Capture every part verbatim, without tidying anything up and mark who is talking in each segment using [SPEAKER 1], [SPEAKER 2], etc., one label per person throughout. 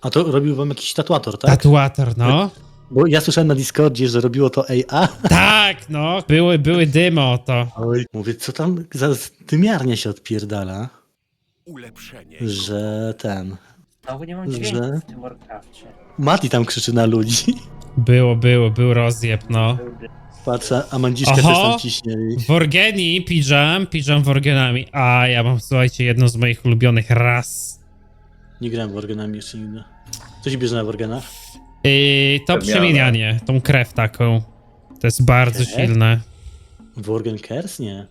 [SPEAKER 1] A to robił wam jakiś tatuator, tak?
[SPEAKER 2] Tatuator, no.
[SPEAKER 1] Bo ja słyszałem na Discordzie, że robiło to A I.
[SPEAKER 2] Tak, no. Były, były dymy o to.
[SPEAKER 1] Oj, mówię, co tam za dymiarnia się odpierdala,
[SPEAKER 3] Ulepszenie.
[SPEAKER 1] że ten...
[SPEAKER 4] Znowu nie mam
[SPEAKER 1] Że-
[SPEAKER 4] dźwięku w tym Warcrafcie.
[SPEAKER 1] Mati tam krzyczy na ludzi.
[SPEAKER 2] Było, było, był rozjeb, no.
[SPEAKER 1] Patrzę, a Mandziszka
[SPEAKER 2] Oho!
[SPEAKER 1] też tam ciśnie.
[SPEAKER 2] Worgeni, pijam, pijam worgenami. A, ja mam, słuchajcie, jedną z moich ulubionych ras.
[SPEAKER 1] Nie grałem w organami jeszcze nigdy. Co się bierze na organach?
[SPEAKER 2] Yy, to
[SPEAKER 5] Przemiana.
[SPEAKER 2] przemienianie, tą krew taką. To jest bardzo
[SPEAKER 1] Krew?
[SPEAKER 2] silne.
[SPEAKER 1] Worgen Kers? Nie.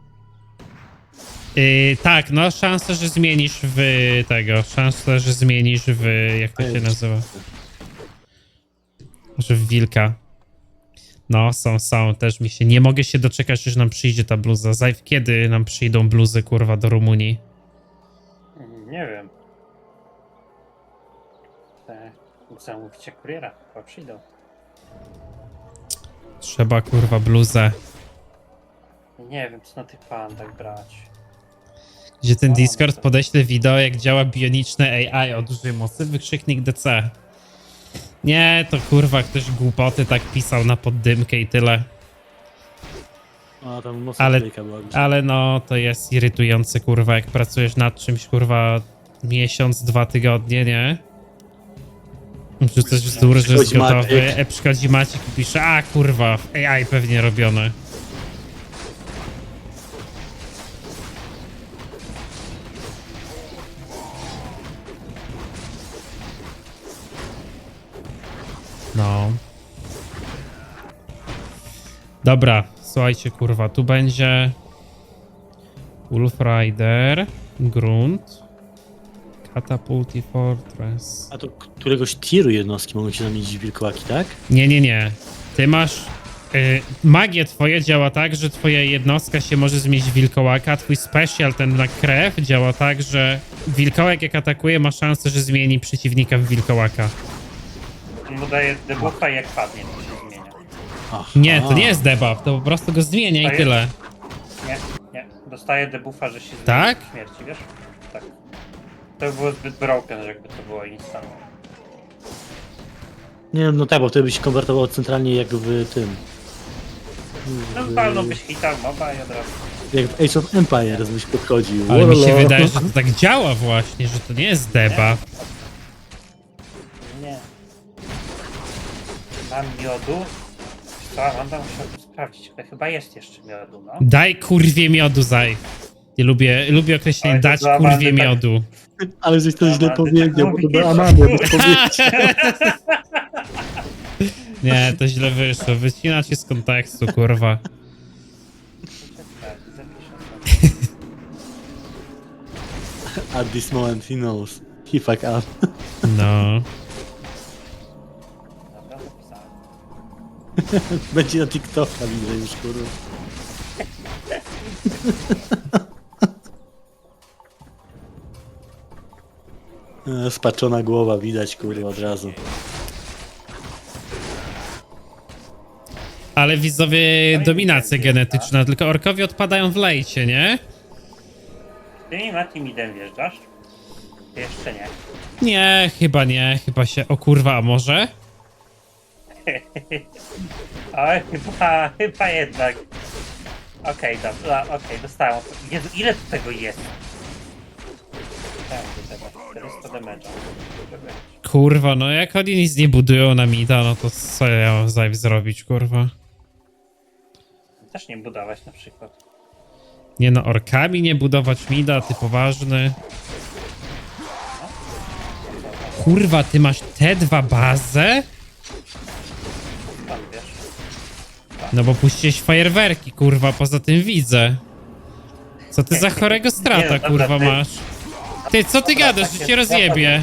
[SPEAKER 2] Yy, tak, no szansa, że zmienisz w tego. Szansa, że zmienisz w... jak to się nazywa? Że w wilka. No, są, są. Też mi się... Nie mogę się doczekać, że nam przyjdzie ta bluza. Zajw, kiedy nam przyjdą bluzy, kurwa, do Rumunii?
[SPEAKER 4] Nie wiem. Te zamówicie kuriera, chyba przyjdą.
[SPEAKER 2] Trzeba, kurwa, bluzę.
[SPEAKER 4] Nie wiem, co na tych pandach brać.
[SPEAKER 2] Gdzie ten Discord podeśle wideo, jak działa bioniczne A I o dużej mocy, wykrzyknik D C. Nie, to kurwa, ktoś głupoty tak pisał na poddymkę i tyle.
[SPEAKER 1] A tam mocno
[SPEAKER 2] Ale-
[SPEAKER 1] klejka była.
[SPEAKER 2] Ale no, to jest irytujące, kurwa, jak pracujesz nad czymś, kurwa, miesiąc, dwa tygodnie, nie? Wrzucasz wzór, że jest
[SPEAKER 1] Przychodzi
[SPEAKER 2] gotowy,
[SPEAKER 1] Maciek.
[SPEAKER 2] e, przychodzi Maciek i pisze, a kurwa, A I pewnie robione. No. Dobra, słuchajcie, kurwa, tu będzie Wolf Rider, Grunt, Catapult i Fortress.
[SPEAKER 1] A to któregoś tieru jednostki mogą się zamienić w wilkołaki, tak?
[SPEAKER 2] Nie, nie, nie. Ty masz... Y, magie twoje działa tak, że twoja jednostka się może zmienić w wilkołaka, a twój special, ten na krew, działa tak, że wilkołak jak atakuje ma szansę, że zmieni przeciwnika w wilkołaka.
[SPEAKER 4] On mu daje debuffa i jak padnie, to się zmienia.
[SPEAKER 1] Aha.
[SPEAKER 2] Nie, to nie jest debuff, to po prostu go zmienia
[SPEAKER 4] To
[SPEAKER 2] i
[SPEAKER 4] jest-
[SPEAKER 2] tyle.
[SPEAKER 4] Nie, nie. Dostaje debuffa, że się zmienia
[SPEAKER 2] Tak?
[SPEAKER 4] w śmierci, wiesz? Tak. To by było zbyt broken, że jakby to było instant.
[SPEAKER 1] Nie wiem, no tak, bo wtedy by się konwertowało centralnie jak w tym.
[SPEAKER 4] No walnąłbyś hita w moba i od razu.
[SPEAKER 1] Jak w Age of Empires byś podchodził.
[SPEAKER 2] Ale mi się
[SPEAKER 1] Wololo.
[SPEAKER 2] wydaje, że to tak działa właśnie, że to nie jest debuff.
[SPEAKER 4] Nie. Mam miodu. Co? Mam tam musiał sprawdzić, ale chyba jest jeszcze miodu, no.
[SPEAKER 2] Daj kurwie miodu, zaj. Nie lubię, lubię określenie
[SPEAKER 4] Ale to
[SPEAKER 2] dać
[SPEAKER 4] dla
[SPEAKER 2] kurwie
[SPEAKER 4] Amandy tak-
[SPEAKER 2] miodu.
[SPEAKER 1] Ale żeś to źle
[SPEAKER 4] Amandy
[SPEAKER 1] powiedział,
[SPEAKER 4] tak
[SPEAKER 1] bo to
[SPEAKER 4] mówisz.
[SPEAKER 1] do Amandy by powiedział.
[SPEAKER 2] Nie, to źle wyszło. Wycinacie z kontekstu, kurwa.
[SPEAKER 4] Tak, zapiszę sobie.
[SPEAKER 1] At this moment he knows. He fuck up.
[SPEAKER 2] No.
[SPEAKER 4] Dobra, zapisałem.
[SPEAKER 1] Będzie na TikToka, widzę już, kurwa. E, Spaczona głowa widać, kurwa, od razu.
[SPEAKER 2] Ale widzowie, dominacja genetyczna, tylko orkowie odpadają w lejcie, nie?
[SPEAKER 4] Ty mi Mati midem wjeżdżasz? Jeszcze nie.
[SPEAKER 2] Nie, chyba nie, chyba się... O kurwa, a może?
[SPEAKER 4] Oj, chyba, chyba jednak. Okej, dobra, okej, dostałem. Jezu, ile tu tego jest? Tak, do tego. czterysta damage'a.
[SPEAKER 2] Kurwa, no jak oni nic nie budują na mida, no to co ja mam zajw zrobić, kurwa?
[SPEAKER 4] Też nie budować na przykład.
[SPEAKER 2] Nie no, orkami nie budować mida, ty poważny. Kurwa, ty masz te dwa bazę?
[SPEAKER 4] Tam wiesz.
[SPEAKER 2] No bo puściłeś fajerwerki, kurwa, poza tym widzę. Co ty za chorego
[SPEAKER 4] Nie,
[SPEAKER 2] strata,
[SPEAKER 4] no dobra,
[SPEAKER 2] kurwa,
[SPEAKER 4] ty-
[SPEAKER 2] masz? Ty, co ty gadasz, że cię rozjebie?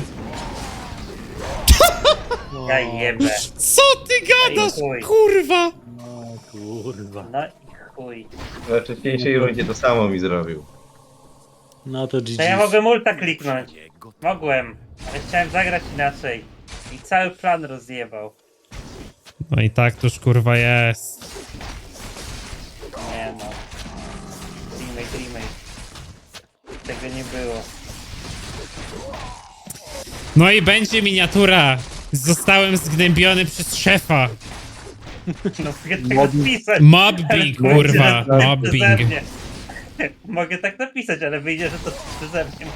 [SPEAKER 4] Ja jebę.
[SPEAKER 2] Co ty gadasz,
[SPEAKER 4] chuj.
[SPEAKER 2] kurwa?
[SPEAKER 1] No, kurwa.
[SPEAKER 4] No i chuj.
[SPEAKER 5] We wcześniejszej rundzie to samo mi zrobił.
[SPEAKER 1] No to G
[SPEAKER 4] To ja
[SPEAKER 1] G.
[SPEAKER 4] mogłem ulta kliknąć. Mogłem, ale chciałem zagrać inaczej. I cały plan rozjebał.
[SPEAKER 2] No i tak tuż, kurwa, jest.
[SPEAKER 4] Nie no. Remake, remake. Tego nie było.
[SPEAKER 2] No i będzie miniatura. Zostałem zgnębiony przez szefa.
[SPEAKER 4] No mogę tak
[SPEAKER 1] Mobbing.
[SPEAKER 4] napisać.
[SPEAKER 2] Mobbing,
[SPEAKER 4] ale
[SPEAKER 2] kurwa,
[SPEAKER 4] wyjdzie, że to
[SPEAKER 2] mobbing.
[SPEAKER 4] przeze mnie. Mogę tak napisać, ale wyjdzie, że to przeze mnie.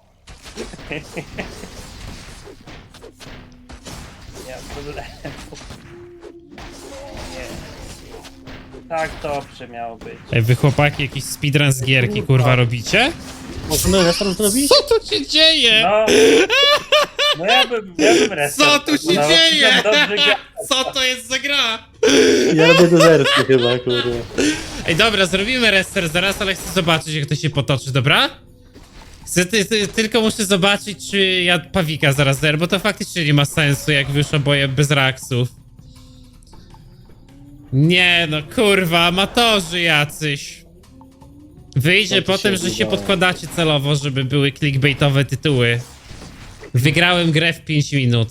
[SPEAKER 4] Nie mam problemu. Nie. Tak dobrze miało być.
[SPEAKER 2] Ej, wy chłopaki jakiś speedrun z gierki, kurwa, robicie?
[SPEAKER 1] Możemy restart zrobić?
[SPEAKER 2] Co tu się dzieje?
[SPEAKER 4] No, no ja bym, ja bym restart.
[SPEAKER 2] Co tu się
[SPEAKER 4] no,
[SPEAKER 2] dzieje?
[SPEAKER 4] Dobrze gra.
[SPEAKER 2] Co to jest za gra?
[SPEAKER 1] Ja robię dezerty chyba, kurwa.
[SPEAKER 2] Ej, dobra, zrobimy restart zaraz, ale chcę zobaczyć, jak to się potoczy, dobra? Chcę, ty, ty, tylko muszę zobaczyć, czy ja Pawika zaraz zer, bo to faktycznie nie ma sensu, jak już oboje bez reaksów. Nie no, kurwa, amatorzy jacyś. Wyjdzie
[SPEAKER 1] Co tu
[SPEAKER 2] potem,
[SPEAKER 1] się
[SPEAKER 2] że się
[SPEAKER 1] udało?
[SPEAKER 2] podkładacie celowo, żeby były clickbaitowe tytuły. Wygrałem grę w pięć minut.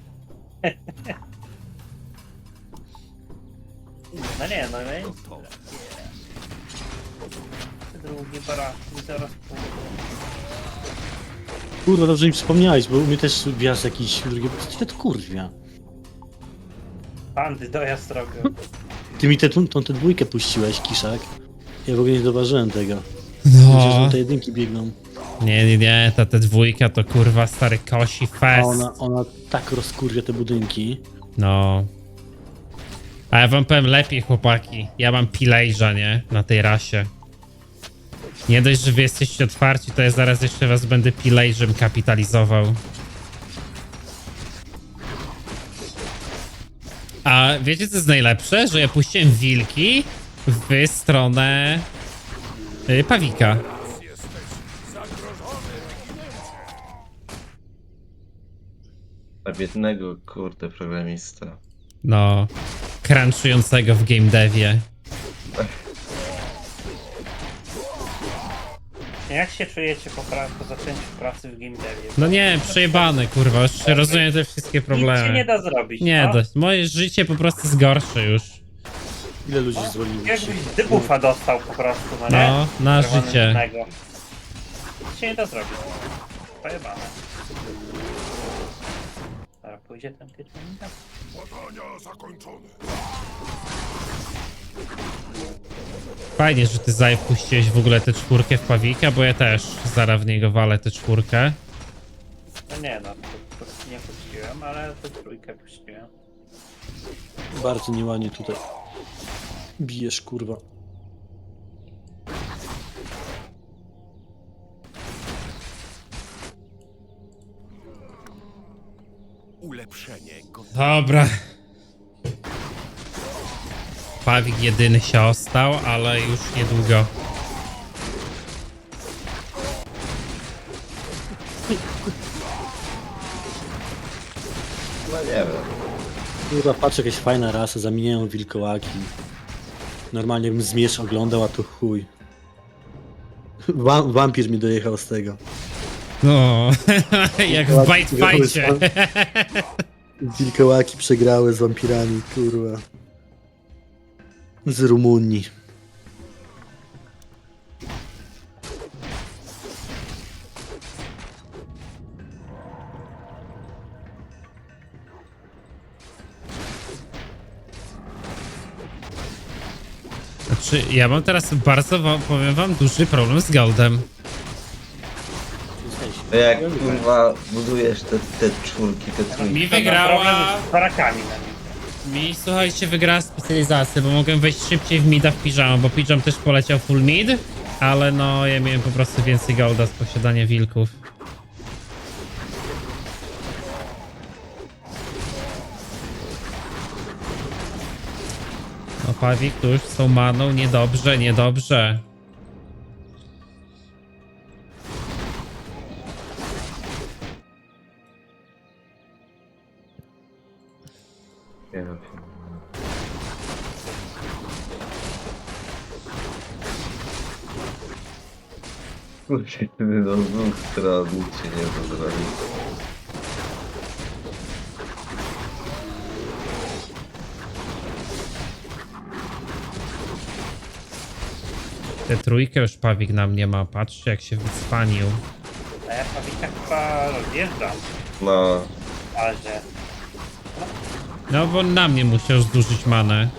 [SPEAKER 4] No nie, no nie. Drugi barak, zaraz pójdę.
[SPEAKER 1] Kurwa, dobrze mi przypomniałeś, bo u mnie też wjazd jakiś drugi... Co to kurwa?
[SPEAKER 4] Bandy dojazd robią.
[SPEAKER 1] Ty mi tę tą, tą tę dwójkę puściłeś, Kiszak. Ja w ogóle nie zauważyłem tego. Myślę, że
[SPEAKER 2] No.
[SPEAKER 1] te jedynki biegną.
[SPEAKER 2] Nie, nie, nie, ta, ta dwójka to kurwa stary kosi
[SPEAKER 1] A
[SPEAKER 2] fest.
[SPEAKER 1] ona, ona tak rozkurwia te budynki.
[SPEAKER 2] No. A ja wam powiem lepiej, chłopaki. Ja mam pilejża, nie? Na tej rasie. Nie dość, że wy jesteście otwarci, to ja zaraz jeszcze was będę pilejżem kapitalizował. A wiecie, co jest najlepsze? Że ja puściłem wilki w stronę y, Pawika.
[SPEAKER 5] A biednego, kurde, programista.
[SPEAKER 2] No, crunchującego w game devie.
[SPEAKER 4] Jak się czujecie po, pra- po zaczęciu pracy w game devie?
[SPEAKER 2] No nie, przejebane, kurwa, już rozumiem te wszystkie
[SPEAKER 4] Nic się nie
[SPEAKER 2] problemy.
[SPEAKER 4] da zrobić.
[SPEAKER 2] Nie,
[SPEAKER 4] no.
[SPEAKER 2] dość. Moje życie po prostu jest gorsze już.
[SPEAKER 1] Ile ludzi zwolniło się?
[SPEAKER 4] Jakbyś dybufa dostał po prostu, no nie?
[SPEAKER 2] No, na życie.
[SPEAKER 4] Czerwonego. Nic się nie da zrobić. Pojebane. Dobra, pójdzie ten kitchenika?
[SPEAKER 2] Fajnie, że ty Zaj puściłeś w ogóle tę czwórkę w Pawika, bo ja też zaraz w niego walę tę czwórkę.
[SPEAKER 4] No nie no, to, to nie puściłem, ale tę trójkę puściłem.
[SPEAKER 1] Bardzo nieładnie tutaj. Bijesz, kurwa.
[SPEAKER 3] Ulepszenie gotowe.
[SPEAKER 2] Dobra. Pawik jedyny się ostał, ale już niedługo.
[SPEAKER 5] No nie wiem.
[SPEAKER 1] Kurwa, patrz, jakaś fajna rasa, zamieniają wilkołaki. Normalnie bym zmierz oglądał, a to chuj. Wa wampir mi dojechał z tego.
[SPEAKER 2] No, jak w Bite Fightie.
[SPEAKER 1] Wilkołaki przegrały z wampirami, kurwa. Z Rumunii.
[SPEAKER 2] Znaczy, ja mam teraz bardzo, wam, powiem wam, duży problem z Goldem.
[SPEAKER 5] No jak kurwa budujesz te, te czwórki, te trójki.
[SPEAKER 2] Mi
[SPEAKER 4] To ma
[SPEAKER 2] wygrała...
[SPEAKER 4] problem z barakami na nim.
[SPEAKER 2] Mi, słuchajcie, wygrała specjalizację, bo mogłem wejść szybciej w mida w piżamę, bo piżam też poleciał full mid, ale no, ja miałem po prostu więcej golda z posiadania wilków. No, Pawik tu już z tą maną, niedobrze, niedobrze.
[SPEAKER 5] Nie wiem. Kurczę, no z dwóch stron nic się nie da zrobić.
[SPEAKER 2] Tę trójkę już Pawik na mnie ma, patrzcie jak się wycwanił.
[SPEAKER 4] A ja Pawika chyba rozjeżdżam.
[SPEAKER 5] No,
[SPEAKER 4] Bazie.
[SPEAKER 2] No bo na mnie musiał zdłużyć manę.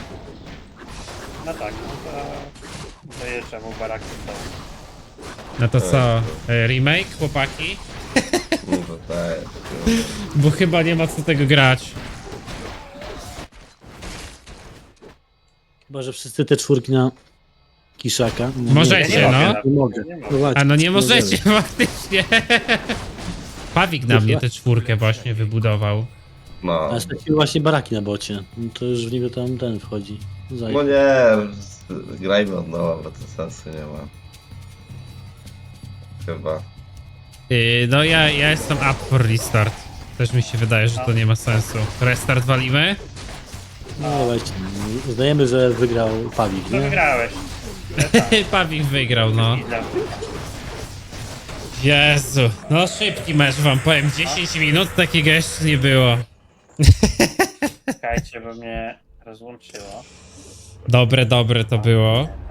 [SPEAKER 4] No tak, no to... Dojeżdżam mu baraki to.
[SPEAKER 2] No to co? e, Remake, chłopaki?
[SPEAKER 5] no to tak.
[SPEAKER 2] Bo chyba nie ma co tego grać.
[SPEAKER 1] Chyba, że wszyscy te czwórki na Kiszaka. No,
[SPEAKER 2] Możecie,
[SPEAKER 1] nie,
[SPEAKER 2] no.
[SPEAKER 1] Nie mogę.
[SPEAKER 4] Nie
[SPEAKER 1] No
[SPEAKER 4] mogę.
[SPEAKER 1] właśnie,
[SPEAKER 2] A no nie
[SPEAKER 1] możemy.
[SPEAKER 2] możecie faktycznie. Pawik na mnie tę czwórkę właśnie wybudował.
[SPEAKER 5] No.
[SPEAKER 1] A straciły właśnie baraki na bocie. No to już w niego tam ten wchodzi. Zaj.
[SPEAKER 5] No nie, grajmy od nowa, bo to sensu nie ma. Chyba.
[SPEAKER 2] Yy, no ja, ja jestem up for restart. Też mi się wydaje, że to nie ma sensu. Restart walimy?
[SPEAKER 1] No właśnie. Uznajemy, że wygrał Pawik,
[SPEAKER 4] No
[SPEAKER 1] nie?
[SPEAKER 4] wygrałeś.
[SPEAKER 2] Pawik wygrał, no.
[SPEAKER 4] Widzę.
[SPEAKER 2] Jezu, no szybki mecz wam powiem. dziesięć minut takiego jeszcze nie było.
[SPEAKER 4] Czekajcie, bo mnie rozłączyło.
[SPEAKER 2] Dobre, dobre to było.